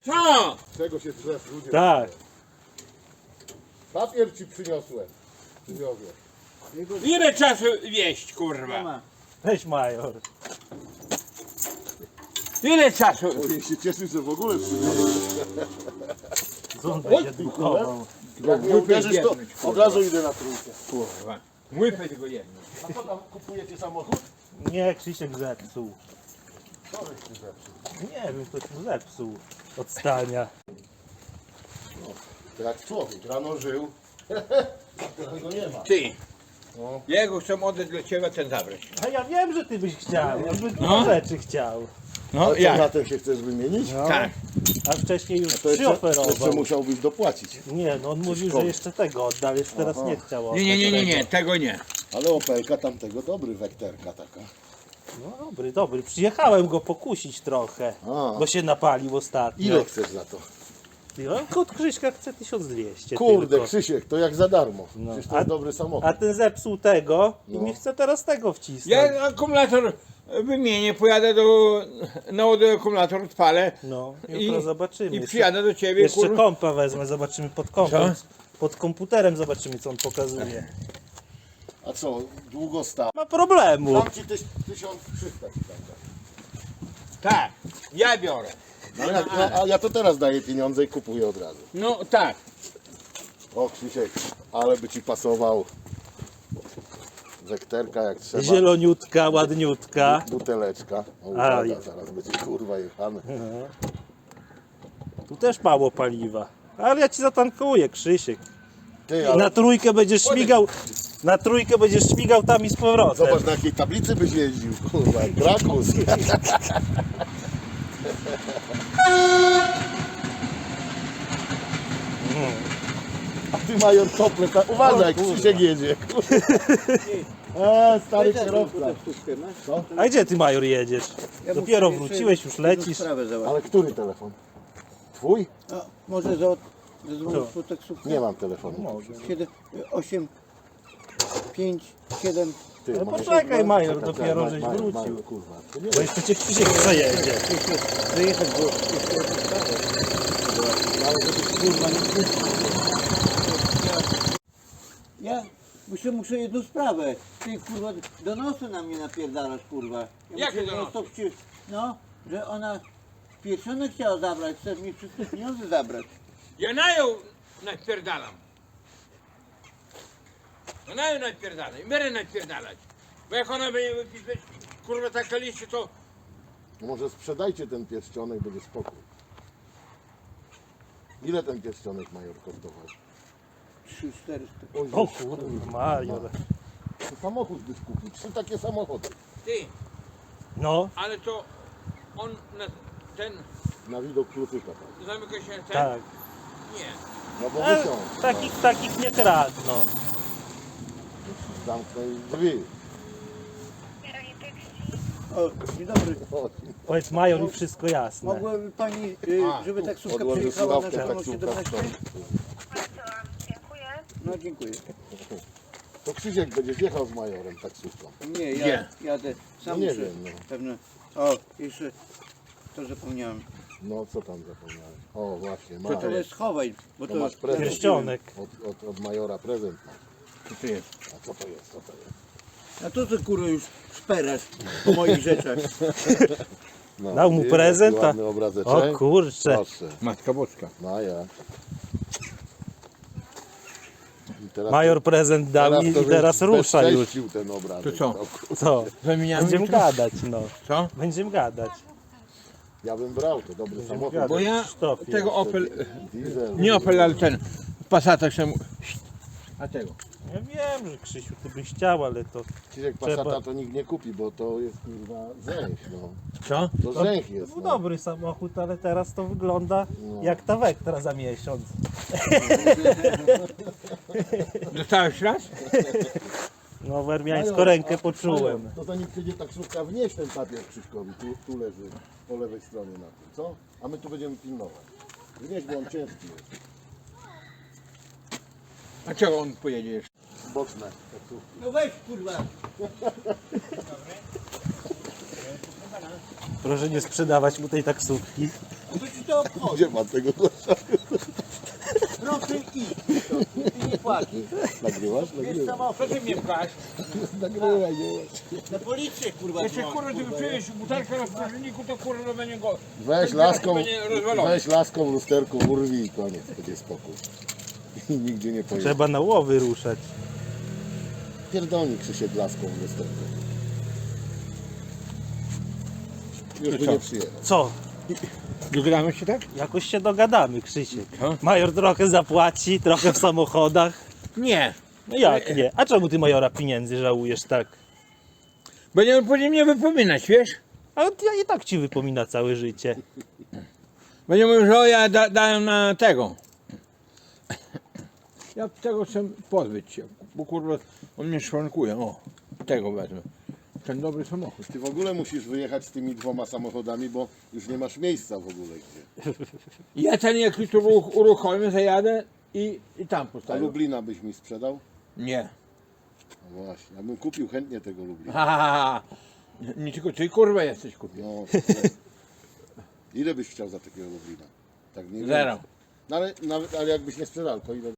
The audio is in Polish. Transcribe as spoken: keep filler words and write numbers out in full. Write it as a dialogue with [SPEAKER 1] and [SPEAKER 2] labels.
[SPEAKER 1] Co?
[SPEAKER 2] Czego się drzew ludzie?
[SPEAKER 3] Tak.
[SPEAKER 2] Papier ci przyniosłem. Przywiozłem.
[SPEAKER 1] Ile czasu wieść, kurwa?
[SPEAKER 3] Weź major.
[SPEAKER 1] Ile czasu?
[SPEAKER 2] Ojej, się cieszy, że w ogóle przyniosłem.
[SPEAKER 3] Co on będzie drukował?
[SPEAKER 2] Jak nie uwierzysz, to od razu idę na trójkę.
[SPEAKER 1] Kurwa. Łypę tylko jedno.
[SPEAKER 2] A co tam, kupujecie samochód?
[SPEAKER 3] Nie, Krzysiek zepsuł.
[SPEAKER 2] Co żeś ty zepsuł?
[SPEAKER 3] Nie wiem, ktoś mu zepsuł od stania.
[SPEAKER 2] To jak człowiek, rano żył, a teraz go nie ma.
[SPEAKER 1] Ty.
[SPEAKER 2] No.
[SPEAKER 1] Jego chcę oddać dla ciebie, ten zabrać.
[SPEAKER 3] A ja wiem, że ty byś chciał, ja bym
[SPEAKER 1] No.
[SPEAKER 3] rzeczy chciał.
[SPEAKER 1] No
[SPEAKER 2] Ale co, na tym się chcesz wymienić?
[SPEAKER 3] No.
[SPEAKER 1] Tak.
[SPEAKER 3] A wcześniej już
[SPEAKER 2] To jeszcze,
[SPEAKER 3] przyoferował.
[SPEAKER 2] jeszcze musiałbyś dopłacić.
[SPEAKER 3] Nie, no on mówił, że
[SPEAKER 2] szkoły.
[SPEAKER 3] jeszcze tego oddał, jeszcze teraz
[SPEAKER 2] Aha.
[SPEAKER 3] nie chciał
[SPEAKER 1] Nie, nie, nie, nie,
[SPEAKER 3] oddać
[SPEAKER 1] nie,
[SPEAKER 3] tego.
[SPEAKER 1] tego nie.
[SPEAKER 2] Ale Opelka tamtego dobry, wekterka taka.
[SPEAKER 3] No dobry, dobry. Przyjechałem go pokusić trochę,
[SPEAKER 2] A.
[SPEAKER 3] bo się napalił ostatnio.
[SPEAKER 2] Ile chcesz za to?
[SPEAKER 3] Ty, on Kot Krzyśka chce tysiąc dwieście
[SPEAKER 2] Kurde,
[SPEAKER 3] tylko.
[SPEAKER 2] Krzysiek, to jak za darmo.
[SPEAKER 3] No.
[SPEAKER 2] Przecież to
[SPEAKER 3] A-
[SPEAKER 2] jest dobry samochód.
[SPEAKER 3] A ten zepsuł tego i
[SPEAKER 2] No.
[SPEAKER 3] mi chce teraz tego wcisnąć.
[SPEAKER 1] Ja akumulator wymienię, pojadę do... naładuję akumulator, odpalę
[SPEAKER 3] No,
[SPEAKER 1] i,
[SPEAKER 3] jutro zobaczymy.
[SPEAKER 1] i
[SPEAKER 3] Jeszcze-
[SPEAKER 1] przyjadę do ciebie,
[SPEAKER 3] Jeszcze
[SPEAKER 1] kurwa.
[SPEAKER 3] kompa wezmę, zobaczymy pod kompem. Pod komputerem zobaczymy, co on pokazuje.
[SPEAKER 2] A co, długo stał?
[SPEAKER 3] Ma problemu.
[SPEAKER 2] Dam ci tyś, tysiąc trzysta ci tam dam.
[SPEAKER 1] Tak, ja biorę.
[SPEAKER 2] No, ja, ja, a ja to teraz daję pieniądze i kupuję od razu.
[SPEAKER 1] No tak.
[SPEAKER 2] O Krzysiek, ale by ci pasował. Wekterka jak trzeba.
[SPEAKER 3] Zieloniutka, ładniutka.
[SPEAKER 2] Buteleczka. O,
[SPEAKER 3] A,
[SPEAKER 2] uwaga,
[SPEAKER 3] i-
[SPEAKER 2] zaraz będzie kurwa jechane.
[SPEAKER 3] Tu też mało paliwa. Ale ja ci zatankuję, Krzysiek.
[SPEAKER 2] Ty,
[SPEAKER 3] I
[SPEAKER 2] ale
[SPEAKER 3] na trójkę będziesz śmigał. Na trójkę będziesz śmigał tam i z powrotem.
[SPEAKER 2] zobacz na jakiej tablicy byś jeździł. Kurwa, jak Drakus. A ty major tople, ta... uważaj, Krzysiek jedzie. A, stary kierowca. Co?
[SPEAKER 3] A gdzie ty, major, jedziesz? Dopiero wróciłeś, już lecisz.
[SPEAKER 2] Ale który telefon? Twój?
[SPEAKER 4] A, może za, zadzwonić po taksówkę?
[SPEAKER 2] Nie mam telefonu.
[SPEAKER 4] siedem, osiem, pięć, siedem.
[SPEAKER 2] Ty,
[SPEAKER 3] Ale
[SPEAKER 2] Major,
[SPEAKER 3] poczekaj, Major,
[SPEAKER 2] czekaj,
[SPEAKER 3] dopiero
[SPEAKER 2] Maj-
[SPEAKER 3] żeś
[SPEAKER 2] Major,
[SPEAKER 3] wrócił.
[SPEAKER 2] Major, kurwa, to nie
[SPEAKER 3] Bo jeszcze cię Krzysiek przejedzie.
[SPEAKER 4] Wyjechać, bo jeszcze jedna sprawa. Ale żeby kurwa nie Ja muszę, muszę jedną sprawę. Ty kurwa donosy na mnie napierdalasz kurwa. Ja
[SPEAKER 1] Jakie
[SPEAKER 4] muszę
[SPEAKER 1] donosy?
[SPEAKER 4] non-stop ci- No, że ona pieczone chciała zabrać, chce mi wszystkie pieniądze zabrać.
[SPEAKER 1] Ja na ją napierdalam. Ja na ją napierdalam i będę napierdalać. Bo jak ona będzie wypisać, kurwa, taka liście, to...
[SPEAKER 2] No może sprzedajcie ten pierścionek, będzie spokój. Ile ten pierścionek major kosztował?
[SPEAKER 4] Trzy, czterysta.
[SPEAKER 2] Oj,
[SPEAKER 3] O kurwa, Major.
[SPEAKER 2] to samochód byś kupił, trzy takie samochody.
[SPEAKER 1] Ty,
[SPEAKER 3] No,
[SPEAKER 1] ale to on na ten...
[SPEAKER 2] Na widok kluczyka. Tak.
[SPEAKER 1] Zamyka się ten?
[SPEAKER 3] tak.
[SPEAKER 1] Nie.
[SPEAKER 2] No bo
[SPEAKER 3] E,
[SPEAKER 2] wysiąść.
[SPEAKER 3] takich, takich nie kradną.
[SPEAKER 2] Zamknij drzwi.
[SPEAKER 4] O, dzień dobry.
[SPEAKER 2] O,
[SPEAKER 3] Powiedz, Major, i wszystko jasne.
[SPEAKER 4] Mogłaby pani, y,
[SPEAKER 1] A,
[SPEAKER 4] żeby taksówka
[SPEAKER 2] Odłożę
[SPEAKER 4] przyjechała na
[SPEAKER 2] słuchawkę,
[SPEAKER 4] czerwoną
[SPEAKER 2] taksówka
[SPEAKER 4] siedemnaście?
[SPEAKER 2] stoi.
[SPEAKER 5] Dziękuję.
[SPEAKER 4] No dziękuję.
[SPEAKER 2] To Krzysiek będziesz jechał z majorem taksówką.
[SPEAKER 4] Nie, ja
[SPEAKER 1] Gdzie?
[SPEAKER 4] jadę. Sam
[SPEAKER 2] No nie
[SPEAKER 4] muszę.
[SPEAKER 2] wiem, no.
[SPEAKER 4] Pewne. O, jeszcze to zapomniałem.
[SPEAKER 2] No co tam zapomniałem? O właśnie,
[SPEAKER 4] To
[SPEAKER 2] masz.
[SPEAKER 4] to schowaj, bo
[SPEAKER 2] To
[SPEAKER 4] to
[SPEAKER 2] masz prezent.
[SPEAKER 3] Pierścionek.
[SPEAKER 2] Od, od, od majora prezent masz.
[SPEAKER 1] Co to jest?
[SPEAKER 2] A co to jest? Co to jest?
[SPEAKER 4] A to ty kurwa już szperasz po moich rzeczach.
[SPEAKER 2] No,
[SPEAKER 3] Dał mu
[SPEAKER 2] widzisz,
[SPEAKER 3] prezent,
[SPEAKER 2] jaki
[SPEAKER 3] a-
[SPEAKER 2] ładny obrazeczek.
[SPEAKER 3] O kurczę.
[SPEAKER 2] Proszę.
[SPEAKER 1] Matka Boska.
[SPEAKER 2] No ja. I teraz
[SPEAKER 3] Major prezent dał i,
[SPEAKER 2] to
[SPEAKER 3] i teraz
[SPEAKER 2] żeś
[SPEAKER 3] rusza już.
[SPEAKER 2] bezcześcił ten obrazek.
[SPEAKER 1] To co?
[SPEAKER 2] No, kur-
[SPEAKER 3] Co?
[SPEAKER 1] Zamieniamy
[SPEAKER 3] Będziemy
[SPEAKER 1] jutro?
[SPEAKER 3] gadać, no.
[SPEAKER 1] Co?
[SPEAKER 3] Będziemy gadać.
[SPEAKER 2] Ja bym brał, to dobry samochód.
[SPEAKER 3] gadać.
[SPEAKER 1] Bo ja
[SPEAKER 3] Krzysztofie.
[SPEAKER 1] tego Opel...
[SPEAKER 2] Diesel.
[SPEAKER 1] Nie Opel, ale ten... Passata chcę... A tego?
[SPEAKER 3] Ja wiem, że Krzysiu, ty byś chciał, ale to...
[SPEAKER 2] Krzysiek
[SPEAKER 3] trzeba-
[SPEAKER 2] Passata to nikt nie kupi, bo to jest kurwa zęch, no.
[SPEAKER 1] Co?
[SPEAKER 2] To zęch jest,
[SPEAKER 3] No
[SPEAKER 2] no.
[SPEAKER 3] dobry samochód, ale teraz to wygląda
[SPEAKER 2] No.
[SPEAKER 3] jak ta Vectra za miesiąc.
[SPEAKER 1] Dostałeś raz?
[SPEAKER 3] No wermiańską rękę
[SPEAKER 2] A-
[SPEAKER 3] poczułem.
[SPEAKER 2] Major, to zanim przyjdzie taksówka, wnieś ten papier Krzyśkowi, tu, tu leży po lewej stronie na tym, co? A my tu będziemy pilnować. Wnieś, bo on ciężki jest.
[SPEAKER 1] A czego on pojedzie jeszcze?
[SPEAKER 2] Boczne taksówki.
[SPEAKER 4] No weź kurwa.
[SPEAKER 3] Proszę nie sprzedawać mu tej taksówki.
[SPEAKER 4] Co ci to obchodzi?
[SPEAKER 2] Gdzie pan tego gościa?
[SPEAKER 4] Proszę iść. Ty nie płacisz.
[SPEAKER 2] Nagrywasz?
[SPEAKER 4] Jest
[SPEAKER 2] Nagrywasz.
[SPEAKER 4] samochód.
[SPEAKER 1] Co ty mnie pchasz?
[SPEAKER 2] Nagrywaj, nie.
[SPEAKER 4] Na policję kurwa.
[SPEAKER 1] Jeszcze
[SPEAKER 4] dzwoń,
[SPEAKER 1] kurwa, ty wypijesz butelkę na sprężniku, to kurwa będzie go...
[SPEAKER 2] Weź
[SPEAKER 1] ten
[SPEAKER 2] laską,
[SPEAKER 1] będzie rozwalony.
[SPEAKER 2] weź laską lusterką, urwij i koniec, będzie spokój. I nigdzie nie pojedzie.
[SPEAKER 3] Trzeba na łowy ruszać.
[SPEAKER 2] Pierdolnik Krzysiek laską lusterką. Już by
[SPEAKER 1] co?
[SPEAKER 2] nie przyjechał.
[SPEAKER 3] Co?
[SPEAKER 1] Dogadamy się tak?
[SPEAKER 3] Jakoś się dogadamy, Krzysiek.
[SPEAKER 1] Co?
[SPEAKER 3] Major trochę zapłaci, trochę w samochodach.
[SPEAKER 1] Nie.
[SPEAKER 3] No jak nie? A czemu ty majora pieniędzy żałujesz tak?
[SPEAKER 1] Będziemy później mnie wypominać, wiesz?
[SPEAKER 3] A ja i tak ci wypomina całe życie.
[SPEAKER 1] Będziemy mówił, że o, ja da, dałem na tego. Ja tego chcę pozbyć się, bo kurwa on mnie szwankuje. O, tego wezmę. Ten dobry samochód.
[SPEAKER 2] Ty w ogóle musisz wyjechać z tymi dwoma samochodami, bo już nie masz miejsca w ogóle gdzie.
[SPEAKER 1] Ja ten jak już tu uruch- uruchomię, zajadę i, i tam
[SPEAKER 2] A
[SPEAKER 1] postawię.
[SPEAKER 2] Lublina byś mi sprzedał?
[SPEAKER 1] Nie.
[SPEAKER 2] No właśnie, ja bym kupił chętnie tego Lublina.
[SPEAKER 1] Ha, ha, ha. Nie, nie tylko ty kurwa jesteś kupił.
[SPEAKER 2] No, ile, ile byś chciał za takiego Lublina? Tak nie
[SPEAKER 1] Zero.
[SPEAKER 2] No ale, nawet, ale jakbyś nie sprzedał, to ile?